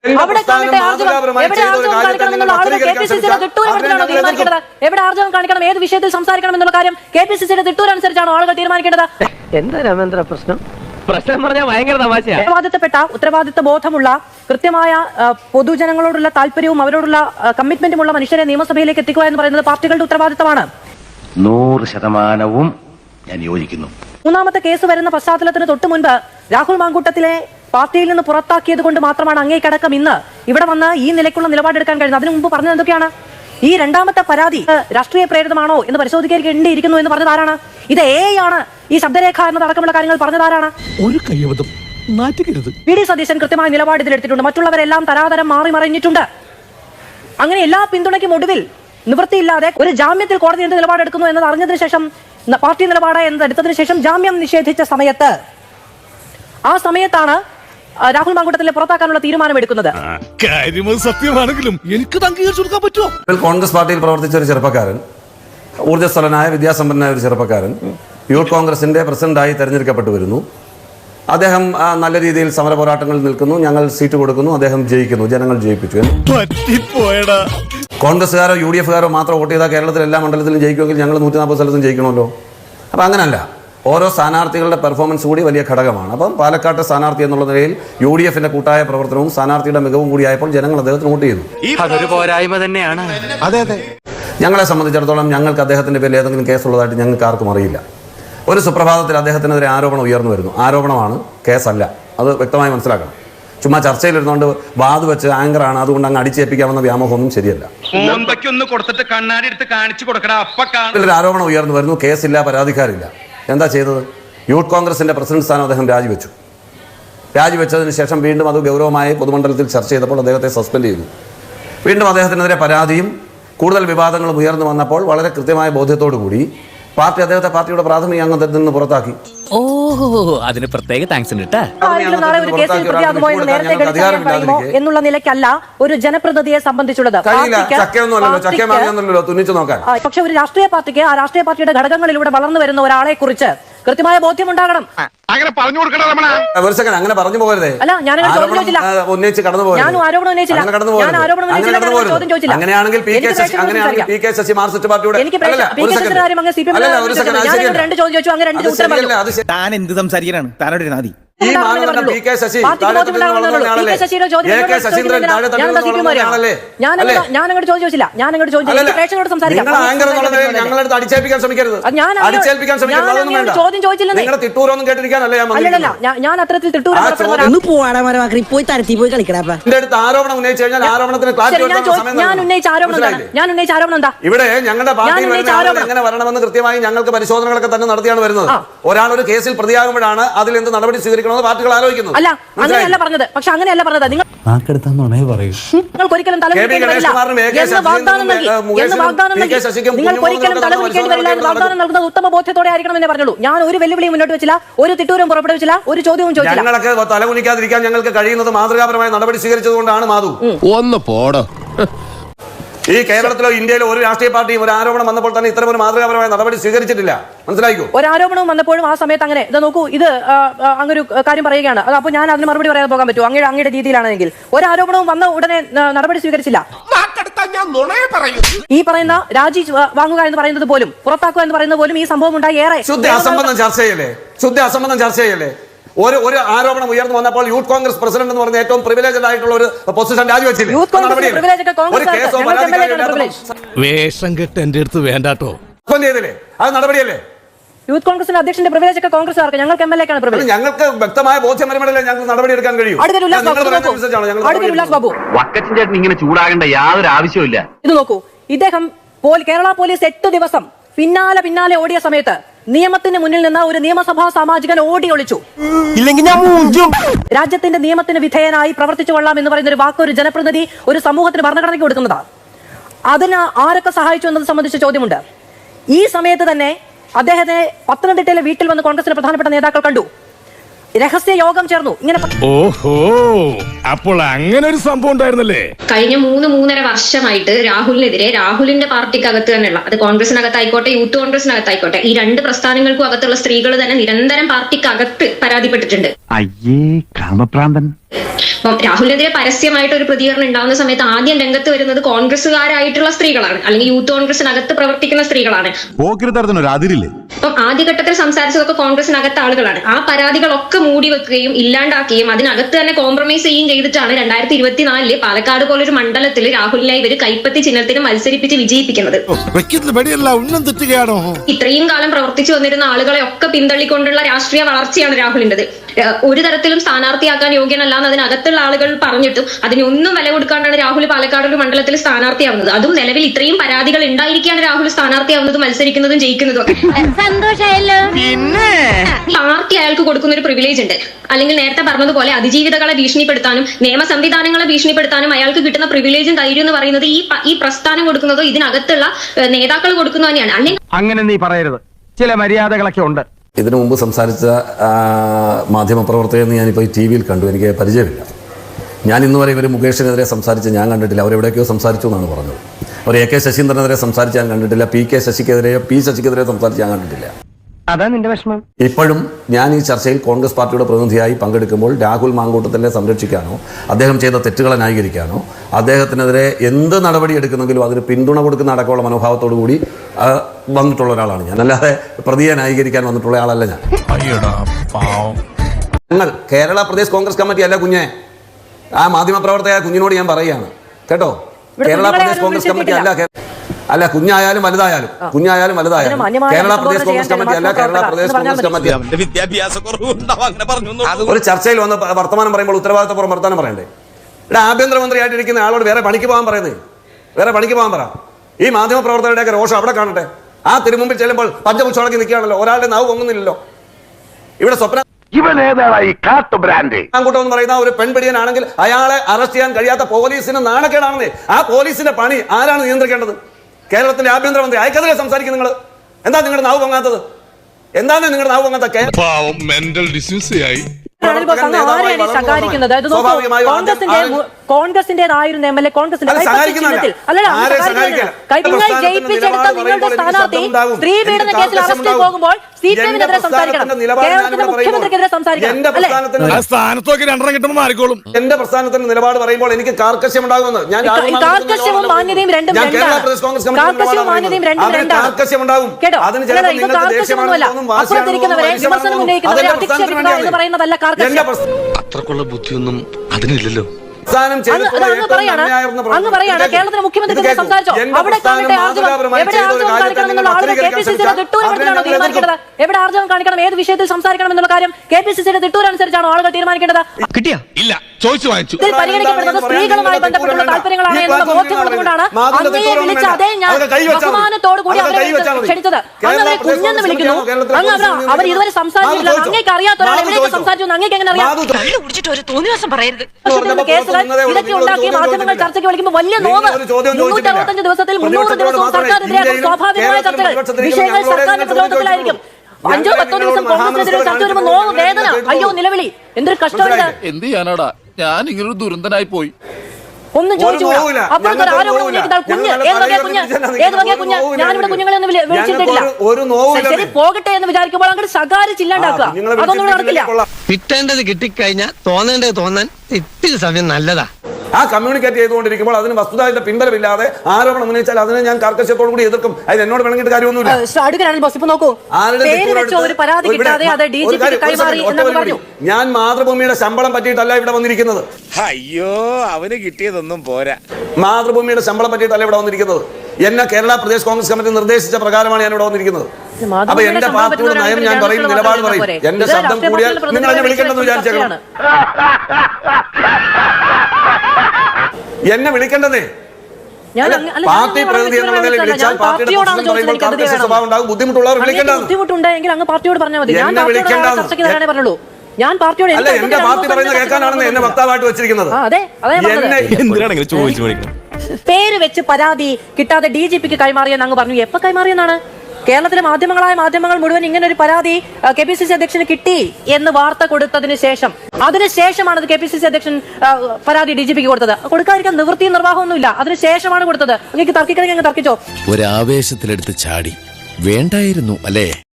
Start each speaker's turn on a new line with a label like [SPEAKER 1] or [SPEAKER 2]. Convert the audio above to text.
[SPEAKER 1] അവിടെ കാണിക്കട്ടെ ആർജവം. എവിടെ ആർജവം കാണിക്കണം എന്നുള്ള ആളുകൾ KPCCയുടെ തിട്ടൂരനുസരിച്ചാണോ തീരുമാനിക്കേണ്ടത്? എവിടെ ആർജവം കാണിക്കണം, ഏത് വിഷയത്തിൽ സംസാരിക്കണം എന്നുള്ള കാര്യം KPCCയുടെ തിട്ടൂരനുസരിച്ചാണോ ആളുകൾ തീരുമാനിക്കേണ്ടത്?
[SPEAKER 2] എന്താ രാമേന്ദ്ര പ്രശ്നം? പ്രശ്നം പറഞ്ഞാൽ ഭയങ്കര തമാശയാ.
[SPEAKER 1] ഉത്തരവാദിത്ത ബോധമുള്ള കൃത്യമായ പൊതുജനങ്ങളോടുള്ള താല്പര്യവും അവരോടുള്ള കമ്മിറ്റ്മെന്റുമുള്ള മനുഷ്യരെ നിയമസഭയിലേക്ക് എത്തിക്കുക എന്ന് പറയുന്നത് പാർട്ടികളുടെ ഉത്തരവാദിത്തമാണ്.
[SPEAKER 3] 100% ഞാൻ യോജിക്കുന്നു.
[SPEAKER 1] മൂന്നാമത്തെ കേസ് വരുന്ന പശ്ചാത്തലത്തിന് തൊട്ട് മുൻപ് രാഹുൽ മാങ്കൂട്ടത്തിലെ പാർട്ടിയിൽ നിന്ന് പുറത്താക്കിയത് കൊണ്ട് മാത്രമാണ് അങ്ങേക്കടക്കം ഇന്ന് ഇവിടെ വന്ന് ഈ നിലയ്ക്കുള്ള നിലപാടെടുക്കാൻ കഴിയുന്നത്. അതിനു മുമ്പ് പറഞ്ഞത് എന്തൊക്കെയാണ്? ഈ രണ്ടാമത്തെ പരാതി രാഷ്ട്രീയ പ്രേരിതമാണോ എന്ന് പരിശോധിക്കേണ്ടിയിരിക്കുന്നു എന്ന് പറഞ്ഞത് ആരാണ്? ഇത് ആണ് ഈ ശബ്ദരേഖ എന്നതടക്കമുള്ള കാര്യങ്ങൾ പറഞ്ഞതാരാണ്?
[SPEAKER 4] ഒരു കയ്യബദ്ധം നാറ്റുകരുത്.
[SPEAKER 1] വി.ഡി. സതീശൻ കൃത്യമായ നിലപാട് ഇതിലെടുത്തിട്ടുണ്ട്. മറ്റുള്ളവരെല്ലാം തരാതരം മാറി മറിഞ്ഞിട്ടുണ്ട്. അങ്ങനെ എല്ലാ പിന്തുണയ്ക്കും ഒടുവിൽ നിവൃത്തിയില്ലാതെ ഒരു ജാമ്യത്തിൽ കോടതി എന്ത് നിലപാടെടുക്കുന്നു എന്നത് അറിഞ്ഞതിന് ശേഷം, പാർട്ടി നിലപാട് എന്നതെടുത്തതിന് ശേഷം ജാമ്യം നിഷേധിച്ച സമയത്ത്, ആ സമയത്താണ് രാഹുൽ മാങ്കൂട്ടത്തിലെ പുറത്താക്കാനുള്ള തീരുമാനമെടുക്കുന്നത്.
[SPEAKER 4] സത്യമാണെങ്കിലും എനിക്ക് അംഗീകരിച്ചു കൊടുക്കാൻ പറ്റുമോ?
[SPEAKER 5] കോൺഗ്രസ് പാർട്ടിയിൽ പ്രവർത്തിച്ച ഒരു ചെറുപ്പക്കാരൻ, ഊർജ്ജസ്വലനായ വിദ്യാസമ്പന്നനായ ഒരു ചെറുപ്പക്കാരൻ യൂത്ത് കോൺഗ്രസിന്റെ പ്രസിഡന്റായി തെരഞ്ഞെടുക്കപ്പെട്ടു വരുന്നു. അദ്ദേഹം നല്ല രീതിയിൽ സമര പോരാട്ടങ്ങളിൽ നിൽക്കുന്നു. ഞങ്ങൾ സീറ്റ് കൊടുക്കുന്നു, അദ്ദേഹം ജയിക്കുന്നു, ജനങ്ങൾ ജയിപ്പിച്ചു. കോൺഗ്രസ്സുകാരോ UDFകാരോ മാത്രം വോട്ട് ചെയ്താൽ കേരളത്തിൽ എല്ലാ മണ്ഡലത്തിലും ജയിക്കുമെങ്കിൽ ഞങ്ങൾ 140 സ്ഥലത്തും ജയിക്കണമല്ലോ. അപ്പം അങ്ങനല്ല, ഓരോ സ്ഥാനാർത്ഥികളുടെ പെർഫോമൻസ് കൂടി വലിയ ഘടകമാണ്. അപ്പം പാലക്കാട്ടെ സ്ഥാനാർത്ഥി എന്നുള്ള നിലയിൽ UDFന്റെ കൂട്ടായ പ്രവർത്തനവും സ്ഥാനാർത്ഥിയുടെ മികവും കൂടിയായപ്പോൾ ജനങ്ങൾ അദ്ദേഹത്തിന് വോട്ട് ചെയ്തു.
[SPEAKER 3] അതൊരു പോരായ്മ തന്നെയാണ്.
[SPEAKER 4] അതെ അതെ.
[SPEAKER 5] ഞങ്ങളെ സംബന്ധിച്ചിടത്തോളം ഞങ്ങൾക്ക് അദ്ദേഹത്തിന്റെ പേരിൽ ഏതെങ്കിലും കേസുള്ളതായിട്ട് ഞങ്ങൾക്ക് ആർക്കും അറിയില്ല. ഒരു സുപ്രഭാതത്തിൽ അദ്ദേഹത്തിനെതിരെ ആരോപണം ഉയർന്നു വരുന്നു. ആരോപണമാണ്, കേസല്ല. അത് വ്യക്തമായി മനസ്സിലാക്കണം. ചുമ്മാ ചർച്ചയിലിരുന്നുകൊണ്ട് വാത് വെച്ച് ആങ്കറാണ് അതുകൊണ്ട് അങ്ങ് അടിച്ചേൽപ്പിക്കാമെന്ന വ്യാമോഹമൊന്നും ശരിയല്ല. ഒരു ആരോപണം ഉയർന്നു വരുന്നു, കേസില്ല, പരാതിക്കാരില്ല. എന്താ ചെയ്തത്? യൂത്ത് കോൺഗ്രസിന്റെ പ്രസിഡന്റ് സ്ഥാനം അദ്ദേഹം രാജിവെച്ചു. രാജിവെച്ചതിന് ശേഷം വീണ്ടും അത് ഗൗരവമായി പൊതുമണ്ഡലത്തിൽ ചർച്ച ചെയ്തപ്പോൾ അദ്ദേഹത്തെ സസ്പെൻഡ് ചെയ്തു. വീണ്ടും അദ്ദേഹത്തിനെതിരെ പരാതിയും കൂടുതൽ വിവാദങ്ങളും ഉയർന്നു വന്നപ്പോൾ വളരെ കൃത്യമായ ബോധ്യത്തോടു കൂടി പാർട്ടി അദ്ദേഹത്തെ പാർട്ടിയുടെ പ്രാഥമിക അംഗത്തിൽ നിന്ന് പുറത്താക്കി.
[SPEAKER 6] ഓഹോ, അതിന് പ്രത്യേക താങ്ക്സ് ഉണ്ട്.
[SPEAKER 1] എന്നുള്ള നിലയ്ക്കല്ല ഒരു ജനപ്രതിനിധിയെ സംബന്ധിച്ചുള്ളത്. പക്ഷെ ഒരു രാഷ്ട്രീയ പാർട്ടിക്ക് ആ രാഷ്ട്രീയ പാർട്ടിയുടെ ഘടകങ്ങളിലൂടെ വളർന്നു വരുന്ന ഒരാളെ കുറിച്ച് കൃത്യമായ ബോധ്യമുണ്ടാകണം.
[SPEAKER 5] അങ്ങനെ പറഞ്ഞു കൊടുക്കണം. അങ്ങനെ പറഞ്ഞു പോകരുതേ.
[SPEAKER 1] അല്ല, ഞാൻ
[SPEAKER 5] ഉന്നയിച്ച് കടന്നു പോകരുത്.
[SPEAKER 1] ഞാൻ ആരോപണം ഉന്നയിച്ചില്ല.
[SPEAKER 5] അങ്ങനെയാണെങ്കിൽ പി കെ ശശി മാർക്സിസ്റ്റ് പാർട്ടിയുടെ
[SPEAKER 1] രണ്ട് ചോദ്യം ചോദിച്ചു. അങ്ങനെ രണ്ട് ഉത്തരം പറഞ്ഞു.
[SPEAKER 4] താൻ എന്ത് സംസാരിക്കാനാണ്? താനോട് നാദി
[SPEAKER 5] ഈ മാനദണ്ഡം പി കെ ശശി
[SPEAKER 1] ഞാൻ അങ്ങോട്ട് ചോദ്യം ചോദിച്ചില്ല. ഞാൻ അങ്ങോട്ട് ചോദിച്ചു. പ്രേക്ഷകരോട് സംസാരിക്കാം.
[SPEAKER 5] ഞങ്ങളടുത്ത് അടിച്ചേൽപ്പിക്കാൻ ശ്രമിക്കരുത്.
[SPEAKER 1] ചോദ്യം ചോദിച്ചില്ല.
[SPEAKER 5] നിങ്ങളുടെ തിട്ടൂരൊന്നും കേട്ടിരിക്കാനല്ലേ
[SPEAKER 1] ഞാൻ അത്തരത്തിൽ തിട്ടൂർ
[SPEAKER 2] പോയി തരത്തി പോയി കളിക്കടാ.
[SPEAKER 5] എന്റെ അടുത്ത് ആരോപണം ഉന്നയിച്ചു കഴിഞ്ഞാൽ ആരോപണത്തിന്
[SPEAKER 1] ഞാൻ ഉന്നയിച്ച ആരോപണം എന്താ?
[SPEAKER 5] ഇവിടെ ഞങ്ങളുടെ പാർട്ടി എങ്ങനെ വരണമെന്ന് കൃത്യമായി ഞങ്ങൾക്ക് പരിശോധനകളൊക്കെ തന്നെ നടത്തിയാണ് വരുന്നത്. ഒരാൾ ഒരു കേസിൽ പ്രതിയാകുമ്പോഴാണ് അതിൽ എന്ത് നടപടി സ്വീകരിക്കണമെന്ന് പാർട്ടികൾ ആലോചിക്കുന്നത്.
[SPEAKER 1] അല്ല, അങ്ങനെയല്ല പറഞ്ഞത്. പക്ഷെ അങ്ങനെയല്ല പറഞ്ഞത്. നിങ്ങൾ ഒരിക്കലും വാഗ്ദാനം നൽകുന്നത് ഉത്തമ ബോധ്യത്തോടെ ആയിരിക്കണം എന്നേ പറഞ്ഞുള്ളൂ. ഞാൻ ഒരു വെല്ലുവിളിയും മുന്നോട്ട് വെച്ചില്ല, ഒരു തിട്ടൂരും പുറപ്പെടുവിച്ചില്ല, ഒരു ചോദ്യവും ചോദിച്ചില്ല.
[SPEAKER 5] ഞങ്ങളൊക്കെ തലകുനിക്കാതിരിക്കാൻ ഞങ്ങൾക്ക് കഴിയുന്നത് മാതൃകാപരമായ നടപടി സ്വീകരിച്ചതുകൊണ്ടാണ്. മാധു,
[SPEAKER 4] ഒന്ന് പോടോ.
[SPEAKER 5] ഈ കേരളത്തിലോ ഇന്ത്യയിലോ ഒരു രാഷ്ട്രീയ പാർട്ടിയും ഒരു ആരോപണം വന്നപ്പോൾ തന്നെ ഇത്തരം ഒരു മാതൃകാപരമായ നടപടി സ്വീകരിച്ചിട്ടില്ല. മനസ്സിലായിക്കോ?
[SPEAKER 1] ഒരു ആരോപണവും വന്നപ്പോഴും ആ സമയത്ത് അങ്ങനെ ഇത് നോക്കൂ, ഇത് അങ്ങനൊരു കാര്യം പറയുകയാണ്. അപ്പോൾ ഞാൻ അതിന് മറുപടി പറയാതെ പോകാൻ പറ്റുമോ? അങ്ങയുടെ രീതിയിലാണെങ്കിൽ ഒരു ആരോപണവും വന്ന ഉടനെ നടപടി സ്വീകരിച്ചില്ല. ഈ പറയുന്ന രാജി വാങ്ങുക എന്ന് പറയുന്നത് പോലും, പുറത്താക്കുക എന്ന് പറയുന്നത് പോലും ഈ സംഭവം ഉണ്ടായി ഏറെ
[SPEAKER 5] ശുദ്ധ അസംബന്ധം ചർച്ച ചെയ്യല്ലേ? ഒരു ആരോപണം ഉയർന്നു വന്നപ്പോൾ യൂത്ത് കോൺഗ്രസ് പ്രസിഡന്റ് എന്ന് പറഞ്ഞ ഏറ്റവും പ്രിവിലേജഡ് ആയിട്ടുള്ള ഒരു പൊസിഷൻ രാജിവെച്ചില്ല.
[SPEAKER 4] വേഷം കെട്ട് എന്റെ അടുത്ത് വേണ്ടാട്ടോ.
[SPEAKER 5] അത് നടപടിയല്ലേ?
[SPEAKER 1] യൂത്ത് കോൺഗ്രസിന്റെ അധ്യക്ഷന്റെ പ്രിവിലേജ് ഒക്കെ കോൺഗ്രസ്സുകാർക്ക്, ഞങ്ങൾക്ക് MLA-ക്കാണ് പ്രിവിലേജ്.
[SPEAKER 5] ഞങ്ങൾക്ക് വ്യക്തമായ ബോധ്യം വരുമ്പോഴല്ലേ ഞങ്ങൾക്ക് നടപടി എടുക്കാൻ കഴിയും.
[SPEAKER 3] ഇങ്ങനെ ചൂടാകേണ്ട യാതൊരു ആവശ്യമില്ല.
[SPEAKER 1] ഇത് നോക്കൂ, ഇദ്ദേഹം കേരള പോലീസ് 8 ദിവസം പിന്നാലെ ഓടിയ സമയത്ത് നിയമത്തിന് മുന്നിൽ നിന്ന് ഒരു നിയമസഭാ സാമാജികൻ ഓടി ഒളിച്ചു. രാജ്യത്തിന്റെ നിയമത്തിന് വിധേയനായി പ്രവർത്തിച്ചു കൊള്ളാം എന്ന് പറയുന്ന ഒരു വാക്ക് ഒരു ജനപ്രതിനിധി ഒരു സമൂഹത്തിന് ഭരണഘടനയ്ക്ക് കൊടുക്കുന്നതാണ്. അതിന് ആരൊക്കെ സഹായിച്ചു എന്നത് സംബന്ധിച്ച ചോദ്യമുണ്ട്. ഈ സമയത്ത് തന്നെ അദ്ദേഹത്തെ പത്തനംതിട്ടയിലെ വീട്ടിൽ വന്ന് കോൺഗ്രസിന്റെ പ്രധാനപ്പെട്ട നേതാക്കൾ കണ്ടു. രഹസ്യ യോഗം ചേർന്നു. ഇങ്ങനെ
[SPEAKER 4] ഓഹോ, അപ്പോൾ അങ്ങനെ ഒരു സംഭവം ഉണ്ടായിരുന്നല്ലേ?
[SPEAKER 7] കഴിഞ്ഞ 3-3.5 വർഷമായിട്ട് രാഹുലിനെതിരെ രാഹുലിന്റെ പാർട്ടിക്കകത്ത് തന്നെയുള്ള, അത് കോൺഗ്രസിനകത്തായിക്കോട്ടെ യൂത്ത് കോൺഗ്രസിനകത്തായിക്കോട്ടെ, ഈ രണ്ട് പ്രസ്ഥാനങ്ങൾക്കും അകത്തുള്ള സ്ത്രീകൾ തന്നെ നിരന്തരം പാർട്ടിക്കകത്ത് പരാതിപ്പെട്ടിട്ടുണ്ട്.
[SPEAKER 3] അയ്യേ, കാമപ്രാന്തൻ.
[SPEAKER 7] അപ്പം രാഹുലിനെതിരെ പരസ്യമായിട്ട് ഒരു പ്രതികരണം ഉണ്ടാകുന്ന സമയത്ത് ആദ്യം രംഗത്ത് വരുന്നത് കോൺഗ്രസ്സുകാരായിട്ടുള്ള സ്ത്രീകളാണ്, അല്ലെങ്കിൽ യൂത്ത് കോൺഗ്രസിനകത്ത് പ്രവർത്തിക്കുന്ന സ്ത്രീകളാണ്. അപ്പം ആദ്യഘട്ടത്തിൽ സംസാരിച്ചതൊക്കെ കോൺഗ്രസിനകത്ത് ആളുകളാണ്. ആ പരാതികളൊക്കെ മൂടി വെക്കുകയും ഇല്ലാണ്ടാക്കുകയും അതിനകത്ത് തന്നെ കോംപ്രമൈസ് ചെയ്യുകയും ചെയ്തിട്ടാണ് 2024 പാലക്കാട് പോലൊരു മണ്ഡലത്തിൽ രാഹുലിനെ ഇവർ കൈപ്പത്തി ചിഹ്നത്തിന് മത്സരിപ്പിച്ച് വിജയിപ്പിക്കുന്നത്. ഇത്രയും കാലം പ്രവർത്തിച്ചു വന്നിരുന്ന ആളുകളെ ഒക്കെ പിന്തള്ളിക്കൊണ്ടുള്ള രാഷ്ട്രീയ വളർച്ചയാണ് രാഹുലിൻ്റെത്. ഒരു തരത്തിലും സ്ഥാനാർത്ഥിയാക്കാൻ യോഗ്യനല്ല എന്ന് അതിനകത്തുള്ള ആളുകൾ പറഞ്ഞിട്ടും അതിനൊന്നും വില കൊടുക്കാണ്ടാണ് രാഹുൽ പാലക്കാട് ഒരു മണ്ഡലത്തിൽ സ്ഥാനാർത്ഥിയാവുന്നത്. അതും നിലവിൽ ഇത്രയും പരാതികൾ ഉണ്ടായിരിക്കാണ് രാഹുൽ സ്ഥാനാർത്ഥിയാവുന്നതും മത്സരിക്കുന്നതും ജയിക്കുന്നതും ഒക്കെ. പാർട്ടി അയാൾക്ക് കൊടുക്കുന്ന ഒരു പ്രിവിലേജ് ഉണ്ട്. അല്ലെങ്കിൽ നേരത്തെ പറഞ്ഞതുപോലെ അതിജീവിതകളെ ഭീഷണിപ്പെടുത്താനും നിയമ സംവിധാനങ്ങളെ ഭീഷണിപ്പെടുത്താനും അയാൾക്ക് കിട്ടുന്ന പ്രിവിലേജും ധൈര്യം എന്ന് പറയുന്നത് ഈ പ്രസ്ഥാനം കൊടുക്കുന്നതോ ഇതിനകത്തുള്ള നേതാക്കൾ കൊടുക്കുന്നത് തന്നെയാണ്. അല്ലെങ്കിൽ
[SPEAKER 2] അങ്ങനെ നീ പറയരുത്, ചില മര്യാദകളൊക്കെ ഉണ്ട്.
[SPEAKER 5] ഇതിനു മുമ്പ് സംസാരിച്ച മാധ്യമപ്രവർത്തകരെന്ന് ഞാനിപ്പോൾ ഈ TV യിൽ കണ്ടു, എനിക്ക് പരിചയമില്ല. ഞാൻ ഇന്ന് വരെ ഇവർ മുകേഷിനെതിരെ സംസാരിച്ച് ഞാൻ കണ്ടിട്ടില്ല. അവരെവിടെയൊക്കെയോ സംസാരിച്ചു എന്നാണ് പറഞ്ഞത്. അവർ AK ശശീന്ദ്രനെതിരെ സംസാരിച്ച് ഞാൻ കണ്ടിട്ടില്ല. PK ശശിക്കെതിരെയോ P ശശിക്കെതിരെയോ സംസാരിച്ച് ഞാൻ കണ്ടിട്ടില്ല.
[SPEAKER 2] അതാ നിന്റെ വിഷമം.
[SPEAKER 5] ഇപ്പോഴും ഞാൻ ഈ ചർച്ചയിൽ കോൺഗ്രസ് പാർട്ടിയുടെ പ്രതിനിധിയായി പങ്കെടുക്കുമ്പോൾ രാഹുൽ മാങ്കൂട്ടത്തിനെ സംരക്ഷിക്കാനോ അദ്ദേഹം ചെയ്ത തെറ്റുകളെ ന്യായീകരിക്കാനോ അദ്ദേഹത്തിനെതിരെ എന്ത് നടപടി എടുക്കുന്നെങ്കിലും അതിന് പിന്തുണ കൊടുക്കുന്ന അടക്കമുള്ള മനോഭാവത്തോടു കൂടി വന്നിട്ടുള്ള ഒരാളാണ് ഞാൻ. അല്ലാതെ പ്രതിയെ ന്യായീകരിക്കാൻ വന്നിട്ടുള്ള ആളല്ല ഞാൻ. ഞങ്ങൾ കേരള പ്രദേശ് കോൺഗ്രസ് കമ്മിറ്റി അല്ല കുഞ്ഞെ. ആ മാധ്യമപ്രവർത്തകയായ കുഞ്ഞിനോട് ഞാൻ പറയുകയാണ് കേട്ടോ. കേരള പ്രദേശ് കോൺഗ്രസ് കമ്മിറ്റി അല്ല കുഞ്ഞായാലും വലുതായാലും കേരള പ്രദേശ് കോൺഗ്രസ് കമ്മിറ്റി അല്ല. കേരള പ്രദേശ് കോൺഗ്രസ് കമ്മിറ്റി ഒരു ചർച്ചയിൽ വന്ന് വർത്തമാനം പറയുമ്പോൾ ഉത്തരവാദിത്തപൂർവ്വം വർത്തമാനം പറയണ്ടേ? ഇവിടെ ആഭ്യന്തരമന്ത്രിയായിട്ടിരിക്കുന്ന ആളോട് വേറെ പണിക്ക് പോകാൻ പറയുന്നത്, വേറെ പണിക്ക് പോകാൻ പറ. ഈ മാധ്യമപ്രവർത്തകരുടെയൊക്കെ രോഷം അവിടെ കാണട്ടെ. ആ തിരുമുമ്പിൽ ചെല്ലുമ്പോൾ പഞ്ചപുക്ഷോടക്കി നിൽക്കുകയാണല്ലോ, ഒരാളുടെ നാവ് പൊങ്ങുന്നില്ലല്ലോ. ഇവിടെ സ്വപ്ന കൂട്ടം എന്ന് പറയുന്ന ഒരു പെൺപിടിയനാണെങ്കിൽ അയാളെ അറസ്റ്റ് ചെയ്യാൻ കഴിയാത്ത പോലീസിന് നാണക്കേടാണെന്നേ. ആ പോലീസിന്റെ പണി ആരാണ് നിയന്ത്രിക്കേണ്ടത്? കേരളത്തിന്റെ ആഭ്യന്തരമന്ത്രി. അയക്കെതിരെ സംസാരിക്കും നിങ്ങൾ. എന്താ നിങ്ങളുടെ നാവ് പൊങ്ങാത്തത്? എന്താണ് നിങ്ങളുടെ നാവ് പൊങ്ങാത്ത?
[SPEAKER 1] കോൺഗ്രസിന്റേതായിരുന്നു MLA കോൺഗ്രസിന്റെ സ്ത്രീ പീഡന കേസിൽ അറസ്റ്റിൽ പോകുമ്പോൾ CPM-നെതിരെ സംസാരിക്കണം, കേരളത്തിന്റെ മുഖ്യമന്ത്രിക്കെതിരെ സംസാരിക്കണം.
[SPEAKER 5] എന്റെ പ്രസ്ഥാനത്തിന്റെ നിലപാട് പറയുമ്പോൾ എനിക്ക് കാർക്കശ്യം ഉണ്ടാകുമെന്ന് ഞാൻ
[SPEAKER 1] കാർക്കശ്യവും മാന്യതയും രണ്ടും
[SPEAKER 5] ഉണ്ടാകും.
[SPEAKER 1] അപ്പുറത്തിരിക്കുന്നവരെ വിമർശനം ഉന്നയിക്കുന്നവരെ അധിക്ഷേപിക്കുക എന്ന് പറയുന്നതല്ല കാർക്കശ്യം.
[SPEAKER 3] അത്രക്കുള്ള ബുദ്ധിയൊന്നും അതിനില്ലല്ലോ.
[SPEAKER 1] അങ്ങ് പറയാണ് കേരളത്തിലെ മുഖ്യമന്ത്രി സംസാരിച്ചോ? അവിടെ കാണട്ടെ ആർജവം. എവിടെ ആർജവം കാണിക്കണം എന്നുള്ള ആളുകൾ KPCCയുടെ തിട്ടൂരനുസരിച്ചാണോ തീരുമാനിക്കേണ്ടത്? എവിടെ ആർജവം കാണിക്കണം, ഏത് വിഷയത്തിൽ സംസാരിക്കണം എന്നുള്ള കാര്യം KPCCയുടെ തിട്ടൂരനുസരിച്ചാണോ ആളുകൾ തീരുമാനിക്കേണ്ടത്? ഇതിൽ പരിഗണിക്കപ്പെടുന്നത് സ്ത്രീകളുമായി ബന്ധപ്പെട്ടുള്ള താല്പര്യങ്ങളാണ് എന്നുള്ള ബോധ്യമുള്ളതുകൊണ്ടാണ് അങ്ങയെ വിളിച്ച അതേ ഞാൻ ബഹുമാനത്തോടു കൂടി അവരെ ക്ഷണിച്ചത്. അങ്ങ് അവരെ കുഞ്ഞെന്ന് വിളിക്കുന്നു. അങ്ങ് അവർ ഇതുവരെ സംസാരിച്ചില്ല. അങ്ങേക്ക് അറിയാത്ത ഒരാൾ എവിടെയൊക്കെ സംസാരിച്ചു അങ്ങേക്ക് എങ്ങനെ അറിയാം? കേസുകൾ ഇതൊക്കെ ഉണ്ടാക്കി മാധ്യമങ്ങൾ ചർച്ചയ്ക്ക് വിളിക്കുമ്പോൾ വലിയ നോവ്. 365 ദിവസത്തിൽ 300 ദിവസവും സർക്കാരിനെതിരെയാണ് സ്വാഭാവികമായ ചർച്ചകൾ. വിഷയങ്ങൾ സർക്കാരിന്റെ പ്രതിരോധത്തിലായിരിക്കും. 5-10 ദിവസം കോൺഗ്രസിനെതിരെ ചർച്ച വരുമ്പോൾ നോവ്, വേദന, അയ്യോ നിലവിളി. എന്തൊരു കഷ്ടമാണ്.
[SPEAKER 6] എന്ത് ചെയ്യാനാടാ, ഞാൻ ഇങ്ങനൊരു ദുരന്തനായി പോയി.
[SPEAKER 1] ഒന്നും ചോദിച്ചുകൂടാ. അപ്പുറത്തൊരു ആരോപണം ഉന്നയിക്കുന്ന കുഞ്ഞ്, ഏത് വകയാ കുഞ്ഞ്? ഞാനിവിടെ കുഞ്ഞുങ്ങളെ ഒന്നും വിളിച്ചിട്ടില്ല. ശരി പോകട്ടെ എന്ന് വിചാരിക്കുമ്പോൾ അങ്ങോട്ട് ശകാരിച്ചില്ലാണ്ടാക്കുക. അതൊന്നും നടക്കില്ല.
[SPEAKER 2] കിട്ടേണ്ടത് കിട്ടിക്കഴിഞ്ഞാൽ തോന്നേണ്ടത് തോന്നാൻ ഇത്തിരി സമയം നല്ലതാ.
[SPEAKER 5] ആ കമ്മ്യൂണിക്കേറ്റ് ചെയ്തുകൊണ്ടിരിക്കുമ്പോൾ അതിന് വസ്തുതാവിന്റെ പിൻബലമില്ലാതെ ആരോപണം ഉന്നയിച്ചാൽ അതിനെ ഞാൻ കാർക്കശ്യത്തോടു കൂടി എതിർക്കും. അതിന് എന്നോട് വേണമെങ്കിൽ കാര്യമൊന്നുമില്ല. ഞാൻ മാതൃഭൂമിയുടെ ശമ്പളം പറ്റിയിട്ടല്ല ഇവിടെ വന്നിരിക്കുന്നത്.
[SPEAKER 4] അയ്യോ അവന് കിട്ടിയതൊന്നും പോരാ.
[SPEAKER 5] മാതൃഭൂമിയുടെ ശമ്പളം പറ്റിയിട്ടല്ല ഇവിടെ വന്നിരിക്കുന്നത്. എന്നെ കേരള പ്രദേശ് കോൺഗ്രസ് കമ്മിറ്റി നിർദ്ദേശിച്ച പ്രകാരമാണ് ഞാൻ ഇവിടെ വന്നിരിക്കുന്നത്. അപ്പൊ എന്റെ പാർട്ടിയുടെ നയം ഞാൻ പറയും, നിലപാട് പറയും. എന്റെ ശബ്ദം കൂടിയാൽ നിങ്ങൾ എന്നെ വിളിക്കേണ്ടെന്ന് വിചാരിച്ചേക്കണം. എന്നെ വിളിക്കേണ്ടതേ പാർട്ടി പ്രതിനിധി എന്ന നിലയിൽ വിളിച്ചാൽ പാർട്ടിയുടെ സ്വഭാവം ഉണ്ടാകും. ബുദ്ധിമുട്ടുള്ളവർ വിളിക്കേണ്ടത്.
[SPEAKER 1] ബുദ്ധിമുട്ടുണ്ടെങ്കിൽ അങ്ങ് പാർട്ടിയോട് പറഞ്ഞാൽ മതി.
[SPEAKER 5] എന്നെ വിളിക്കേണ്ടത്.
[SPEAKER 1] പറഞ്ഞുള്ളൂ. ഞാൻ പാർട്ടിയോട്
[SPEAKER 5] അല്ല, എന്റെ പാർട്ടി പറയുന്നത് കേൾക്കാനാണെന്ന് എന്നെ വക്താവായിട്ട് വെച്ചിരിക്കുന്നത്.
[SPEAKER 1] പേര് വെച്ച് പരാതി കിട്ടാതെ DGPക്ക് കൈമാറിയെന്ന് അങ്ങ് പറഞ്ഞു. എപ്പോ കൈമാറിയെന്നാണ്? കേരളത്തിലെ മാധ്യമങ്ങൾ മുഴുവൻ ഇങ്ങനെ ഒരു പരാതി KPCC അധ്യക്ഷന് കിട്ടി എന്ന് വാർത്ത കൊടുത്തതിന് ശേഷം, അതിനുശേഷമാണ് KPCC അധ്യക്ഷൻ പരാതി DGPക്ക് കൊടുത്തത്. കൊടുക്കാതിരിക്കാൻ നിവൃത്തിയും നിർവാഹമൊന്നുമില്ല. അതിനുശേഷമാണ് കൊടുത്തത്. നിങ്ങൾക്ക് തർക്കിക്കണമെങ്കിൽ അങ്ങ് തർക്കിച്ചോ.
[SPEAKER 6] ഒരാവേശത്തിലെടുത്ത് ചാടി വേണ്ടായിരുന്നു അല്ലേ?